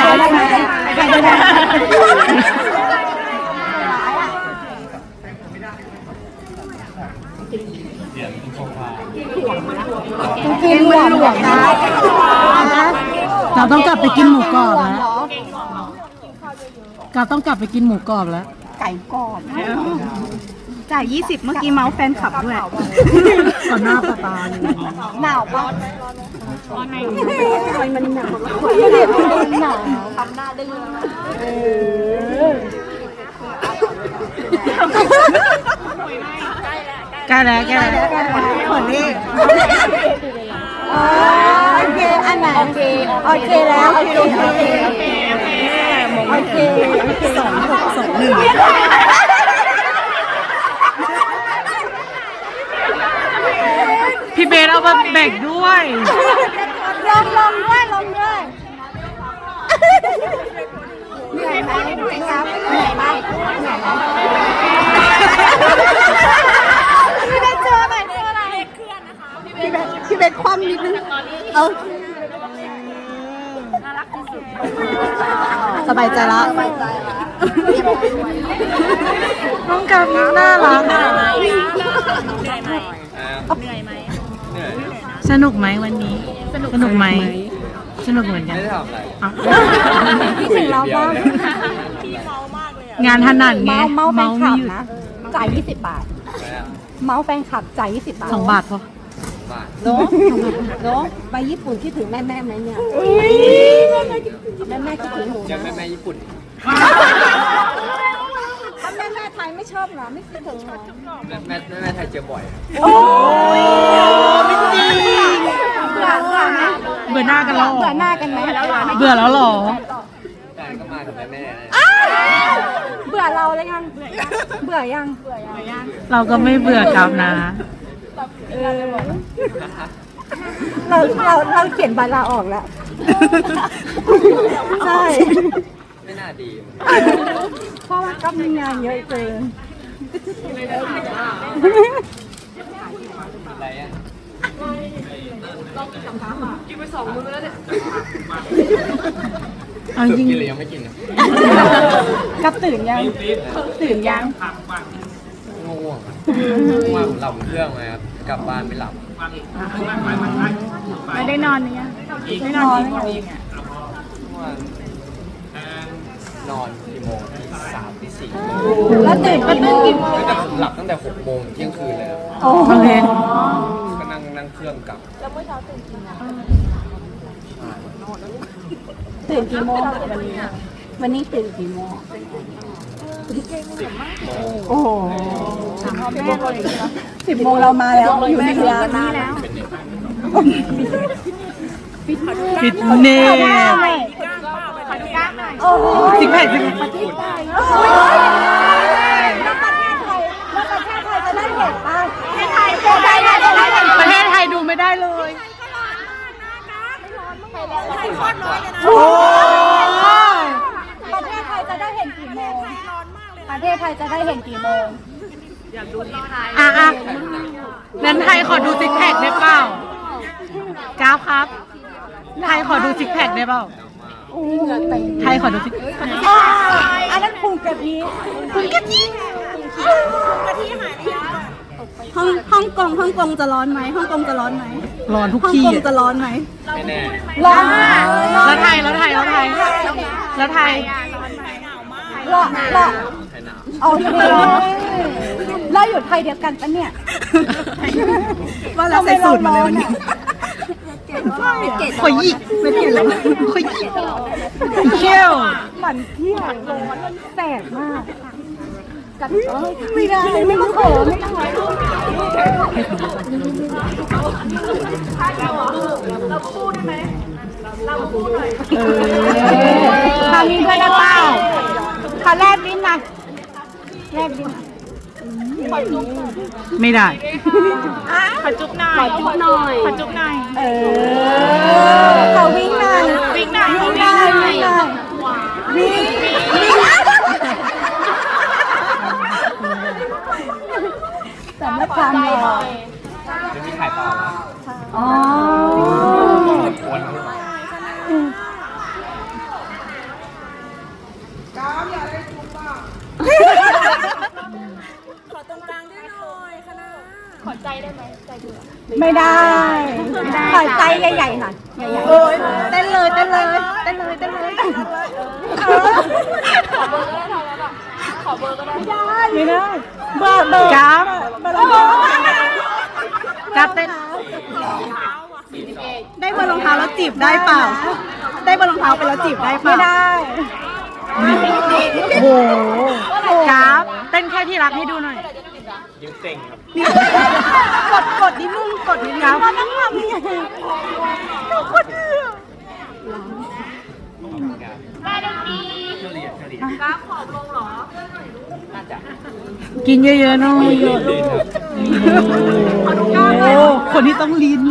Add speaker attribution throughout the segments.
Speaker 1: กินหวานหวานนะเราต้องกลับไปกินหมูกรอบแล้วเราต้องกลับไปกินหมูกรอบแล้วไก่กรอบ
Speaker 2: จ่าย20เมื่อกี้เมาส์แฟนคลับด้วย
Speaker 1: ก่อนหน้าตาเลย
Speaker 2: หนาวปะทำไมมันหนาวหนาวทำหน้าได้เลย
Speaker 1: ใกล้แล้วคนนี้
Speaker 2: โอเคอันไหนโอเคแล้วโอเค
Speaker 1: 2-6-2-1พี่เบสเอามาแบ่งด้วย
Speaker 2: ลองด้วยเหนื่อยไหมครับเหนื่อยไหมพี่เบสเจออะไรพี่เบสคว่ำนิดนึงสบายใจละ
Speaker 1: น้องกับน่ารักสนุกไหมวันนี้สนุกไหมสนุกเหมือนกัน
Speaker 2: พี่ถึงเราบ้าง
Speaker 1: งานถนัดไง
Speaker 2: เมาแฟนคลับนะจ่าย20 บาทเมาแฟนคลับจ่าย20 บาท
Speaker 1: 2 บาทพอ
Speaker 2: เนาะไปญี่ปุ่นคิดถึงแม่ไหมเนี่ยแม่คิดถึงหนู
Speaker 3: แม่ญี่ปุ่น
Speaker 2: ถ้าแม่ไทยไม่ชอบเหรอไม่คิดถึงเหรอ
Speaker 3: แม่ไทยเจอบ่อย
Speaker 2: โอ้ไม่จริงเ
Speaker 1: บื่อหน้ากันแล้ว
Speaker 2: เบื่อหน้ากันไหม
Speaker 1: เบื่อแล้วหรอ
Speaker 3: ใช่ก็มากับแม่
Speaker 2: เบื่อเราเลยยังเบื่อยัง
Speaker 1: เราก็ไม่เบื่อครับนะ
Speaker 2: เราเขียนใบลาออกแล้วใช่
Speaker 3: ไม่น่าดี
Speaker 2: เพราะว่าก็มีงานเยอะเกิน
Speaker 3: อะไรอ่ะกินไป2 มื้อแล้วเนี่ย
Speaker 1: จริง
Speaker 3: กินหรือยังไม่กิน
Speaker 2: กับตื่นยัง
Speaker 3: ง่วงว่าผมหลับเครื่องมาครับกลับบ้านไม่หลับ
Speaker 2: ไม่ได้นอนเนี่ยไม่นอน
Speaker 3: นอนกี่โมงตี 3 ตี 4
Speaker 2: แล้วตื่นกี่โมง
Speaker 3: แต่ผมหลับตั้งแต่6 โมงเที่ยงคืนเลย
Speaker 1: โอเค
Speaker 3: ก็นั่งเครื่องกลับ
Speaker 2: แล้วเมื่อเช้าตื่นกี่โมงตื่นกี่โมงวันนี้ตื่นกี่โมงโอ้โห10 โมงเรามาแล้วอยู่ในร้านนี้แล้ว
Speaker 1: ฟิตเนส
Speaker 2: สิบแปด
Speaker 1: สิบ
Speaker 2: ประเทศไทยแล้วประเทศไทยจะได้เห็นป่ะ
Speaker 1: ประเทศไทยดูไม่ได้เลย
Speaker 2: โอ้ประเทศไทยจะได้เห็นกี่โมงประเทศไทยจะได้เห็นกี่โมง
Speaker 1: อยากดูที่ไทยนั้นไทยขอดูซิกแพคได้เปล่าก้าวครับไทยขอดูซิกแพคได้เปล่าไทยขอดูซิก
Speaker 2: อันนั้นพุงกะทิ
Speaker 1: หาย
Speaker 2: ฮ่องกงจะร้อนไหมฮ่องกงจะร้อนไหม
Speaker 1: ร้อนทุกที่
Speaker 2: ฮ่องกงจะร้อนไหม
Speaker 3: ไม่แน่
Speaker 2: ร้อน
Speaker 1: แล้วไทยร้อนร้อน
Speaker 2: โอเคเราอยู่ไทยเดียวกันปะเนี่ย
Speaker 1: ว่าเราใส่สูตรมาเลยวันนี้ขอยิกไม่เห็นแล้วขอยิกเขี้ยว
Speaker 2: หมันเที่ยวแสบมากกันไม่ได้ไม่ต้องขอไม่ต้องเราพูดได้ไหมเราพูดหน่อยทำมีด้วยนะเปล่าขอแลบลิ้นนะแลบลิ้น
Speaker 1: ไม่ได้
Speaker 2: ขอจุ๊บหน่อยขอวิ่งหน่อยวิ่งสำหรับความหล่อ
Speaker 3: จะมีถ่ายต่อ
Speaker 2: อ๋อไม่ได้ขอใจใหญ่ๆหน่อยใหญ่ๆโอ้ยเต้นเลยเต้นเลยเต้นเลยเต้นเลยขอเบอร์ก็ได้ไม่ได้เบอร์
Speaker 1: กราฟ
Speaker 2: เบอร์
Speaker 1: กราฟเต้น
Speaker 2: ได้เบอร์รองเท้าแล้วจีบได้เปล่าได้เบอร์รองเท้าไปแล้วจีบได้เปล่าไม่ได้
Speaker 1: โอ้โหกราฟเต้นแค่ที่รักให้ดูหน่อย
Speaker 3: ยิ้มเต่งครับ
Speaker 2: กดนิดนึงกดนิดนึงว่านั่งทำยังไงกด
Speaker 3: เฉลี่ย
Speaker 1: กินเยอะๆหน่อย
Speaker 3: ดีครับ
Speaker 1: โอ้คนนี้ต้องลีน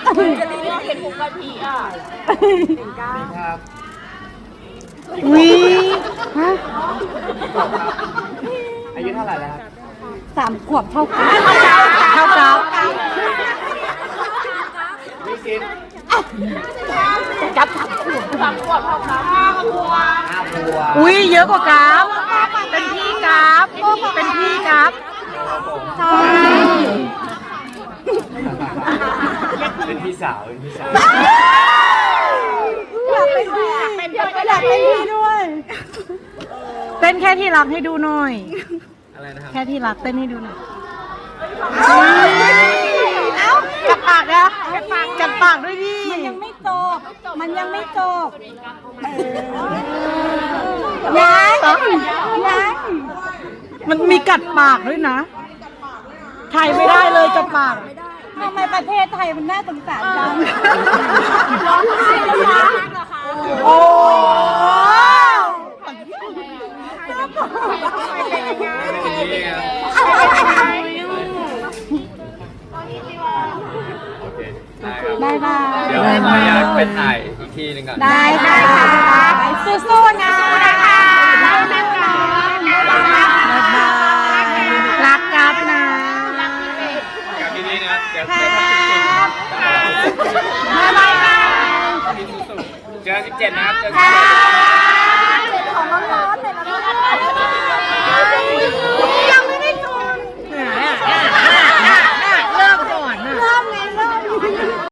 Speaker 3: ครับ
Speaker 1: วิฮะ
Speaker 3: อายุเท่าไหร่แล้วครับ
Speaker 2: 3 ขวบเท่ากัน
Speaker 1: เท่ากราฟ
Speaker 3: ไม่คิด
Speaker 2: กับ
Speaker 3: 5 ขวบ
Speaker 1: อุ้ยเยอะกว่ากราฟเป็นพี่กราฟเป็นพี่กราฟ
Speaker 2: ใช่
Speaker 3: เป็นพี่สาว
Speaker 2: อยากเป็นพี่อยากเป็นพี่ด้วย
Speaker 1: เต้นแค่ที่รักให้ดูหน่อย
Speaker 3: อะไรนะครับ
Speaker 1: แค่ที่รักเต้นให้ดูหน่อยจับปากนะจับปากด้วยดิ
Speaker 2: มันยังไม่จบมันยังไม่จบยัง
Speaker 1: มันมีกัดปากด้วยนะไทยไม่ได้เลยกัดปาก
Speaker 2: ทำไมประเทศไทยมันน่าสงสารจังร้องไห้แล้วนะ
Speaker 1: โอ้
Speaker 3: นี่ครับโอเค ได้ครับ
Speaker 2: ได้ค่ะ
Speaker 3: เดี๋ยวขออนุญาตไปถ่ายอีกทีหนึงก่อน
Speaker 2: ได้ค่ะสู้ๆนะนะคะรักนะคะ
Speaker 1: รักกับนะ
Speaker 3: กลับดีๆนะเดี๋ยว
Speaker 2: ค
Speaker 3: ไป
Speaker 2: รั
Speaker 3: ทำ
Speaker 2: บบ๊ายบายค่ะ
Speaker 3: เจอ17นะครับเจอ
Speaker 2: ค่ะ